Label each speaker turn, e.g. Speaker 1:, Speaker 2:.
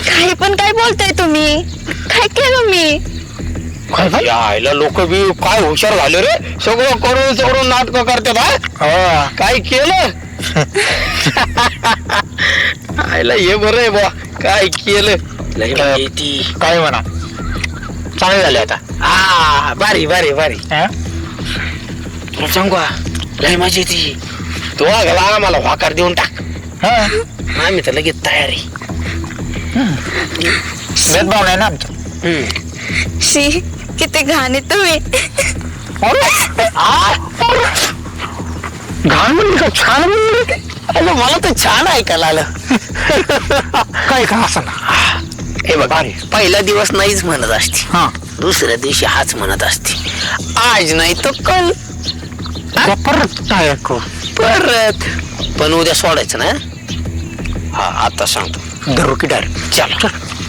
Speaker 1: काही पण काय बोलताय तुम्ही? काय केलं मी?
Speaker 2: काय आईला लोक बी काय हुशार झाले रे, सगळं करून सगळं नाटक करतात. हा काय केलं? आईला हे बरं आहे बा, काय केलं.
Speaker 3: काय म्हणा, चांगले झाले आता.
Speaker 2: भारी भारी भारी. सांगू लय मजा येते. तो गेला आम्हाला वाकार देऊन टाक, आम्ही तर लगेच तयार आहे.
Speaker 3: भेदभाव नाही ना आमचं.
Speaker 1: शी, किती घाण आहे तुम्ही.
Speaker 2: घाण म्हणली का छान म्हणली? अरे मला तर छान ऐकायला आलं.
Speaker 3: काय का असं ना.
Speaker 2: हे बघ, पहिला दिवस नाहीच म्हणत असते, दुसऱ्या दिवशी हाच म्हणत असते. आज नाही तो कल
Speaker 3: परत काय ऐकू?
Speaker 2: परत. पण उद्या सोडायचं ना. हा आता सांगतो.
Speaker 3: धरू की डायरेक्ट.
Speaker 2: चला.